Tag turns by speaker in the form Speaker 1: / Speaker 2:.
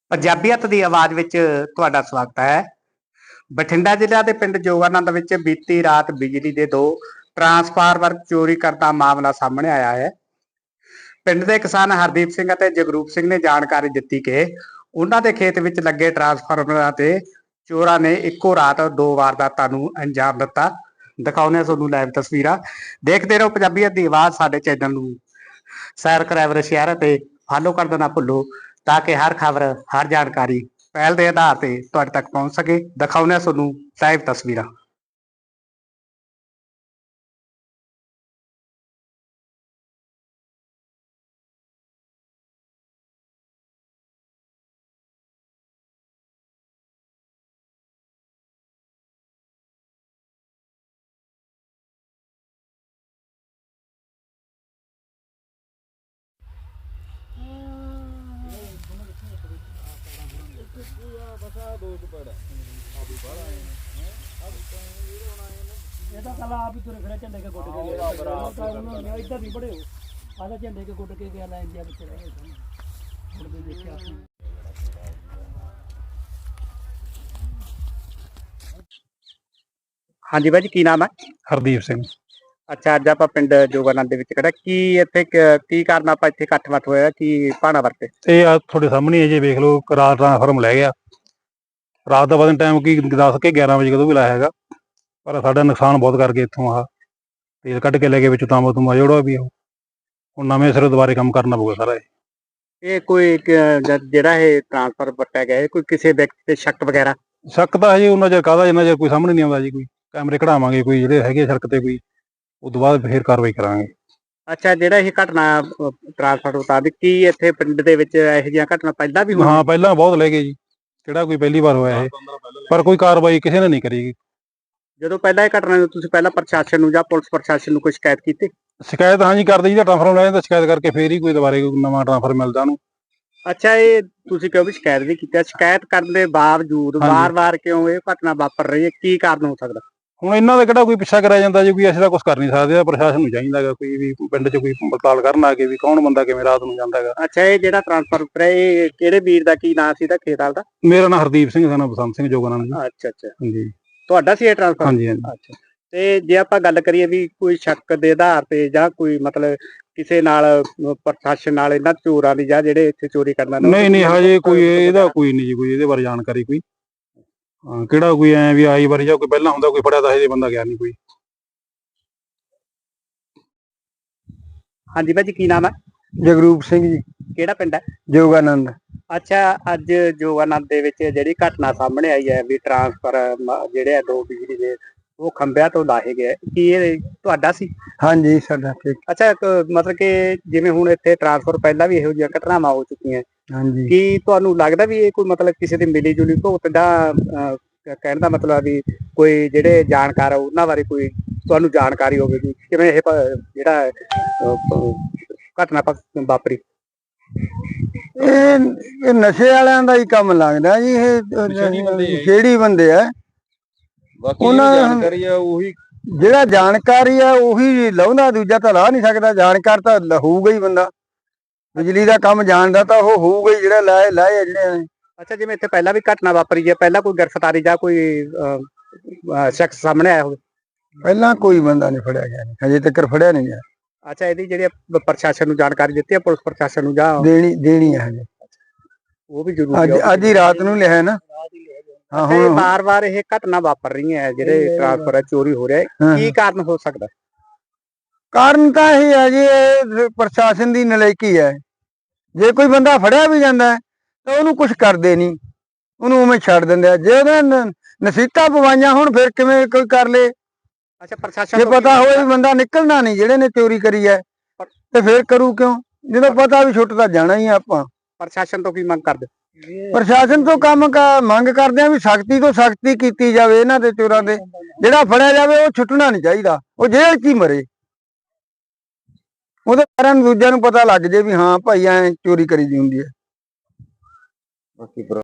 Speaker 1: ਪੰਜਾਬੀਅਤ ਦੀ ਆਵਾਜ਼ ਵਿੱਚ ਤੁਹਾਡਾ ਸਵਾਗਤ ਹੈ। ਬਠਿੰਡਾ ਜ਼ਿਲ੍ਹਾ ਦੇ ਪਿੰਡ ਜੋਗਾਨੰਦ ਵਿੱਚ ਬੀਤੀ ਰਾਤ ਬਿਜਲੀ ਦੇ 2 ਟਰਾਂਸਫਾਰਮਰ ਚੋਰੀ ਕਰਨ ਦਾ ਮਾਮਲਾ ਸਾਹਮਣੇ ਆਇਆ ਹੈ। ਪਿੰਡ ਦੇ ਕਿਸਾਨ ਹਰਦੀਪ ਸਿੰਘ ਅਤੇ ਜਗਰੂਪ ਸਿੰਘ ਨੇ ਜਾਣਕਾਰੀ ਦਿੱਤੀ ਕਿ ਉਹਨਾਂ ਦੇ ਖੇਤ ਵਿੱਚ ਲੱਗੇ ਟਰਾਂਸਫਾਰਮਰਾਂ ਤੇ ਚੋਰਾਂ ਨੇ ਇੱਕੋ ਰਾਤ 2 ਵਾਰਦਾਤਾਂ ਨੂੰ ਅੰਜਾਮ ਦਿੱਤਾ। ਦਿਖਾਉਂਦੇ ਤੁਹਾਨੂੰ ਲਾਈਵ ਤਸਵੀਰਾਂ। ਦੇਖਦੇ ਰਹੋ ਪੰਜਾਬੀਅਤ ਦੀ ਆਵਾਜ਼। ਸਾਡੇ ਚੈਨਲ ਨੂੰ ਸੈਰ ਕਰਾਇਵਰ ਸ਼ੇਅਰ ਅਤੇ ਫਾਲੋ ਕਰ ਦੇਣਾ ਭੁੱਲੋ ਤਾਂ ਕਿ ਹਰ ਖਬਰ ਹਰ ਜਾਣਕਾਰੀ ਪਹਿਲ ਦੇ ਆਧਾਰ ਤੇ ਤੁਹਾਡੇ ਤੱਕ ਪਹੁੰਚ ਸਕੇ। ਦਿਖਾਉਂਦੇ ਤੁਹਾਨੂੰ ਲਾਈਵ ਤਸਵੀਰਾਂ।
Speaker 2: ਇਹ ਤਾਂ ਕੱਲ ਆਪ ਹੀ ਤੁਰੇ ਫਿਰੇ ਝੰਡੇ ਕੇ ਗੁੱਟ ਕੇ ਗਿਆ ਇੱਧਰ ਨਹੀਂ ਬੜੇ ਹੋ ਆਦਾ ਝੰਡੇ ਕੇ ਗੁੱਟ ਕੇ ਗਿਆ ਲੈ ਇੰਡੀਆ ਵਿੱਚ ਰਹਿ ਗਏ ਮੁੜਦੇ ਦੇਖਿਆ ਅਸੀਂ।
Speaker 1: ਹਾਂਜੀ ਬਾਈ ਜੀ, ਕੀ ਨਾਮ ਹੈ?
Speaker 3: ਹਰਦੀਪ ਸਿੰਘ।
Speaker 1: ਅੱਛਾ, ਅੱਜ ਆਪਾਂ ਪਿੰਡ ਜੋਗਾਨੰਦ ਦੇ ਵਿੱਚ ਖੜਾ। ਕੀ ਇੱਥੇ ਕੀ ਕਾਰਨ ਆਪਾਂ ਇੱਥੇ ਇਕੱਠ ਮੱਠ ਹੋਇਆ? ਕੀ ਭਾਣਾ ਵਰਤੇ?
Speaker 3: ਇਹ ਆ ਤੁਹਾਡੇ ਸਾਹਮਣੇ ਜੇ ਵੇਖ ਲਓ, ਰਾਤ ਟਰਾਂਸਫਾਰਮ ਲੈ ਗਿਆ। ਰਾਤ ਦਾ ਵਧਣ ਟਾਈਮ ਕੀ 10 ਕੇ 11 ਵਜੇ ਕਦੋਂ ਵੀ ਲਾਇਆ ਹੈਗਾ, ਪਰ ਸਾਡਾ ਨੁਕਸਾਨ ਬਹੁਤ ਕਰ ਗਏ। ਇੱਥੋਂ ਆਹ ਤੇਲ ਕੱਢ ਕੇ ਲੈ ਗਏ ਵਿੱਚ ਤਾਂਬਾ ਤੁੰਬਾ ਜਿਹੜਾ ਵੀ ਹੁਣ ਨਵੇਂ ਸਿਰੇ ਦੁਬਾਰੇ ਕੰਮ ਕਰਨਾ ਪਊਗਾ ਸਾਰਾ।
Speaker 1: ਇਹ ਕੋਈ ਜਿਹੜਾ ਇਹ ਟਰਾਂਸਫਰ ਵਰਤਿਆ ਗਿਆ, ਕੋਈ ਕਿਸੇ ਵਿਅਕਤੀ ਤੇ ਸ਼ੱਕ ਵਗੈਰਾ?
Speaker 3: ਸ਼ੱਕ ਤਾਂ ਹਜੇ ਉਹਨਾਂ ਚਿਰ ਕਾਹਦਾ, ਜਿੰਨਾ ਚਿਰ ਕੋਈ ਸਾਹਮਣੇ ਨਹੀਂ ਆਉਂਦਾ ਜੀ। ਕੋਈ ਕੈਮਰੇ ਕਢਾਵਾਂਗੇ, ਕੋਈ ਜਿਹੜੇ ਹੈਗੇ ਸੜਕ ਤੇ, ਕੋਈ ਉਸ ਤੋਂ ਬਾਅਦ ਫਿਰ ਕਾਰਵਾਈ ਕਰਾਂਗੇ।
Speaker 1: ਅੱਛਾ, ਜਿਹੜਾ ਇਹ ਘਟਨਾ ਟਰਾਂਸਫਰ ਮੁਤਾਬਿਕ ਕੀ ਇੱਥੇ ਪਿੰਡ ਦੇ ਵਿੱਚ ਇਹੋ ਜਿਹੀਆਂ ਘਟਨਾ ਪਹਿਲਾਂ ਵੀ ਹੋਈਆਂ?
Speaker 3: ਹਾਂ, ਪਹਿਲਾਂ ਬਹੁਤ ਲੈ ਗਏ ਜੀ। ਕਿਹੜਾ ਕੋਈ ਪਹਿਲੀ ਵਾਰ ਹੋਇਆ ਇਹ, ਪਰ ਕੋਈ ਕਾਰਵਾਈ ਕਿਸੇ ਨੇ ਨਹੀਂ ਕਰੀ।
Speaker 1: ਜਦੋਂ ਪਹਿਲਾਂ ਇਹ ਘਟਨਾ ਤੁਸੀਂ ਪਹਿਲਾਂ ਪ੍ਰਸ਼ਾਸਨ ਨੂੰ ਜਾਂ ਪੁਲਿਸ ਪ੍ਰਸ਼ਾਸਨ ਨੂੰ ਕੋਈ ਸ਼ਿਕਾਇਤ ਕੀਤੀ?
Speaker 3: ਸ਼ਿਕਾਇਤ ਹਾਂਜੀ ਕਰਦੇ ਜੀ, ਟਰਾਂਸਫਾਰਮ ਲੈ ਜਾਂਦਾ ਸ਼ਿਕਾਇਤ ਕਰਕੇ ਫੇਰ ਹੀ ਕੋਈ ਦੁਬਾਰੇ ਕੋਈ ਨਵਾਂ ਟਰਾਂਸਫਰ ਮਿਲਦਾ ਉਹਨੂੰ।
Speaker 1: ਅੱਛਾ, ਇਹ ਤੁਸੀਂ ਕਿਉਂ ਵੀ ਸ਼ਿਕਾਇਤ ਵੀ ਕੀਤੀ? ਸ਼ਿਕਾਇਤ ਕਰਨ ਦੇ ਬਾਵਜੂਦ ਵਾਰ-ਵਾਰ ਕਿਉਂ ਇਹ ਘਟਨਾ ਵਾਪਰ ਰਹੀ ਹੈ? ਕੀ ਕਾਰਨ ਹੋ ਸਕਦਾ?
Speaker 3: ਹੁਣ ਇਹਨਾਂ ਦਾ ਕਿਹੜਾ ਕੋਈ ਪਿੱਛਾ ਕਰਿਆ ਜਾਂਦਾ ਜੀ? ਕੋਈ ਅਸੀਂ ਤਾਂ ਕੁਝ ਕਰ ਨਹੀਂ ਸਕਦੇ। ਪ੍ਰਸ਼ਾਸਨ ਨੂੰ ਚਾਹੀਦਾ ਹੈਗਾ ਕੋਈ ਵੀ ਪਿੰਡ 'ਚ ਕੋਈ ਪੜਤਾਲ ਕਰਨ ਆ ਕੇ ਵੀ ਕੌਣ ਬੰਦਾ ਕਿਵੇਂ ਰਾਤ ਨੂੰ ਜਾਂਦਾ ਹੈਗਾ।
Speaker 1: ਅੱਛਾ, ਇਹ ਜਿਹੜਾ ਟਰਾਂਸਫਰ ਇਹ ਕਿਹੜੇ ਵੀਰ ਦਾ ਕੀ ਨਾਂ ਸੀ ਦਾ ਖੇਤ ਵਾਲ ਦਾ?
Speaker 3: ਮੇਰਾ ਨਾਮ ਹਰਦੀਪ ਸਿੰਘ, ਸਾਨਾ ਬਸੰਤ ਸਿੰਘ ਜੋਗਾਨੰਦ ਜੀ।
Speaker 1: ਅੱਛਾ
Speaker 3: ਹਾਂਜੀ,
Speaker 1: ਤੁਹਾਡਾ ਸੀ ਇਹ ਟਰਾਂਸਫਰ?
Speaker 3: ਹਾਂਜੀ ਹਾਂਜੀ।
Speaker 1: ਅੱਛਾ, ਤੇ ਜੇ ਆਪਾਂ ਗੱਲ ਕਰੀਏ ਵੀ ਕੋਈ ਸ਼ੱਕ ਦੇ ਆਧਾਰ ਤੇ ਜਾਂ ਕੋਈ ਮਤਲਬ ਕਿਸੇ ਨਾਲ ਪ੍ਰਸ਼ਾਸਨ ਨਾਲ ਇਹਨਾਂ ਚੋਰਾਂ ਦੀ ਜਾਂ ਜਿਹੜੇ ਇੱਥੇ ਚੋਰੀ ਕਰਨਾ?
Speaker 3: ਨਹੀਂ ਹਜੇ ਕੋਈ ਇਹਦਾ ਕੋਈ ਨਹੀਂ ਜੀ, ਕੋਈ ਇਹਦੇ ਬਾਰੇ ਜਾਣਕਾਰੀ ਕੋਈ। ਕਿਹੜਾ ਕੋਈ ਐ ਵੀ ਆਈ ਵਾਰੀ ਜਾਂ ਕੋਈ ਪਹਿਲਾਂ ਹੁੰਦਾ ਕੋਈ ਫੜਿਆ ਤਾਂ ਹਜੇ ਬੰਦਾ ਗਿਆ ਨਹੀਂ ਕੋਈ।
Speaker 1: ਹਾਂਜੀ ਭਾਜੀ, ਕੀ ਨਾਮ ਹੈ?
Speaker 4: ਜਗਰੂਪ ਸਿੰਘ ਜੀ।
Speaker 1: ਕਿਹੜਾ ਪਿੰਡ ਹੈ?
Speaker 4: ਜੋਗਾਨੰਦ।
Speaker 1: ਅੱਛਾ, ਅੱਜ ਜੋਗਾਨੰਦ ਦੇ ਵਿੱਚ ਜਿਹੜੀ ਘਟਨਾ ਸਾਹਮਣੇ ਆਈ ਹੈ ਵੀ ਟਰਾਂਸਫਰ ਜਿਹੜੇ ਆ 2 ਬਿਜਲੀ ਦੇ ਉਹ ਖੰਭਿਆਂ ਤੋਂ ਲਾਹੇ ਗਏ, ਕੀ ਇਹ ਤੁਹਾਡਾ ਸੀ?
Speaker 4: ਹਾਂਜੀ, ਸਾਡਾ ਠੀਕ।
Speaker 1: ਅੱਛਾ, ਮਤਲਬ ਕਿ ਜਿਵੇਂ ਹੁਣ ਇੱਥੇ ਟਰਾਂਸਫਰ ਪਹਿਲਾਂ ਵੀ ਇਹੋ ਜਿਹੀਆਂ ਘਟਨਾਵਾਂ ਹੋ ਚੁੱਕੀਆਂ,
Speaker 4: ਹਾਂਜੀ।
Speaker 1: ਕੀ ਤੁਹਾਨੂੰ ਲੱਗਦਾ ਵੀ ਇਹ ਕੋਈ ਮਤਲਬ ਕਿਸੇ ਦੀ ਮਿਲੀ ਜੁਲੀ ਭੁਗਤ ਜਾਂ ਕਹਿਣ ਦਾ ਮਤਲਬ ਵੀ ਕੋਈ ਜਿਹੜੇ ਜਾਣਕਾਰ ਉਹਨਾਂ ਬਾਰੇ ਕੋਈ ਤੁਹਾਨੂੰ ਜਾਣਕਾਰੀ ਹੋਵੇ ਵੀ ਕਿਵੇਂ ਇਹ ਜਿਹੜਾ ਘਟਨਾ ਵਾਪਰੀ?
Speaker 4: ਇਹ ਨਸ਼ੇ ਵਾਲਿਆਂ ਦਾ ਹੀ ਕੰਮ ਲੱਗਦਾ ਜੀ। ਇਹ ਜਿਹੜੀ ਬੰਦੇ ਆ ਉਹਨਾਂ ਜਾਣਕਾਰੀ ਆ, ਉਹੀ ਜਿਹੜਾ ਜਾਣਕਾਰੀ ਆ ਉਹੀ ਲਾਉਂਦਾ, ਦੂਜਾ ਤਾਂ ਲਾ ਨਹੀਂ ਸਕਦਾ। ਜਾਣਕਾਰ ਤਾਂ ਹੋਊਗਾ ਹੀ ਬੰਦਾ, ਬਿਜਲੀ ਦਾ ਕੰਮ ਜਾਣਦਾ ਤਾਂ ਉਹ ਹੋਊਗਾ ਹੀ ਜਿਹੜਾ ਲਾਏ ਜਿਹੜੇ ਨੇ।
Speaker 1: ਅੱਛਾ, ਜਿਵੇਂ ਇੱਥੇ ਪਹਿਲਾਂ ਵੀ ਘਟਨਾ ਵਾਪਰੀ ਹੈ, ਪਹਿਲਾਂ ਕੋਈ ਗ੍ਰਿਫਤਾਰੀ ਜਾਂ ਕੋਈ ਸ਼ਖਸ ਸਾਹਮਣੇ ਆਇਆ ਹੋਵੇ?
Speaker 4: ਪਹਿਲਾਂ ਕੋਈ ਬੰਦਾ ਨਹੀਂ ਫੜਿਆ ਗਿਆ, ਹਜੇ ਤੱਕ ਫੜਿਆ ਨਹੀਂ ਗਿਆ।
Speaker 1: ਅੱਛਾ, ਇਹਦੀ ਜਿਹੜੀ ਪ੍ਰਸ਼ਾਸਨ ਨੂੰ ਜਾਣਕਾਰੀ ਦਿੱਤੀ ਹੈ, ਪੁਲਿਸ ਪ੍ਰਸ਼ਾਸਨ ਨੂੰ ਜਾਂ
Speaker 4: ਦੇਣੀ ਹੈ ਹਜੇ?
Speaker 1: ਉਹ ਵੀ ਜ਼ਰੂਰੀ
Speaker 4: ਅੱਜ ਹੀ ਰਾਤ ਨੂੰ ਲਿਆ ਨਾ।
Speaker 1: ਹਾਂ, ਹੁਣ ਵਾਰ-ਵਾਰ ਇਹ ਘਟਨਾ ਵਾਪਰ ਰਹੀਆਂ ਹੈ, ਜਿਹੜੇ ਟਰਾਂਸਫਰ ਚੋਰੀ ਹੋ ਰਿਹਾ, ਕੀ ਕਾਰਨ ਹੋ ਸਕਦਾ?
Speaker 4: ਕਾਰਨ ਤਾਂ ਇਹ ਹੈ ਜੀ, ਇਹ ਪ੍ਰਸ਼ਾਸਨ ਦੀ ਨਲਾਇਕੀ ਹੈ। ਜੇ ਕੋਈ ਬੰਦਾ ਫੜਿਆ ਵੀ ਜਾਂਦਾ ਤਾਂ ਉਹਨੂੰ ਕੁਝ ਕਰਦੇ ਨਹੀਂ, ਉਹਨੂੰ ਉਵੇਂ ਛੱਡ ਦਿੰਦੇ ਆ। ਜੇ ਉਹਨੇ ਨਸੀਤਾਂ ਪਵਾਈਆਂ ਹੁਣ ਫਿਰ ਕਿਵੇਂ ਕੋਈ ਕਰ ਲੇ?
Speaker 1: ਅੱਛਾ, ਪ੍ਰਸ਼ਾਸਨ
Speaker 4: ਜੇ ਪਤਾ ਹੋਵੇ ਵੀ ਬੰਦਾ ਨਿਕਲਣਾ ਨਹੀਂ ਜਿਹੜੇ ਨੇ ਚੋਰੀ ਕਰੀ ਹੈ ਤੇ ਫਿਰ ਕਰੂ ਕਿਉਂ? ਜਦੋਂ ਪਤਾ ਵੀ ਛੁੱਟ ਤਾਂ ਜਾਣਾ ਹੀ ਆਪਾਂ।
Speaker 1: ਪ੍ਰਸ਼ਾਸਨ ਤੋਂ ਕੀ ਮੰਗ ਕਰਦੇ?
Speaker 4: ਪ੍ਰਸ਼ਾਸਨ ਤੋਂ ਮੰਗ ਕਰਦੇ ਆ ਵੀ ਸਖਤੀ ਤੋਂ ਸਖਤੀ ਕੀਤੀ ਜਾਵੇ ਇਹਨਾਂ ਦੇ ਚੋਰਾਂ ਦੇ। ਜਿਹੜਾ ਫੜਿਆ ਜਾਵੇ ਉਹ ਛੁੱਟਣਾ ਨਹੀਂ ਚਾਹੀਦਾ, ਉਹ ਜੇਲ੍ਹ 'ਚ ਹੀ ਮਰੇ। ਉਹਦੇ ਕਾਰਨ ਦੂਜਿਆਂ ਨੂੰ ਪਤਾ ਲੱਗ ਜੇ ਵੀ ਹਾਂ ਭਾਈ ਐ ਚੋਰੀ ਕਰੀ ਦੀ ਹੁੰਦੀ ਹੈ।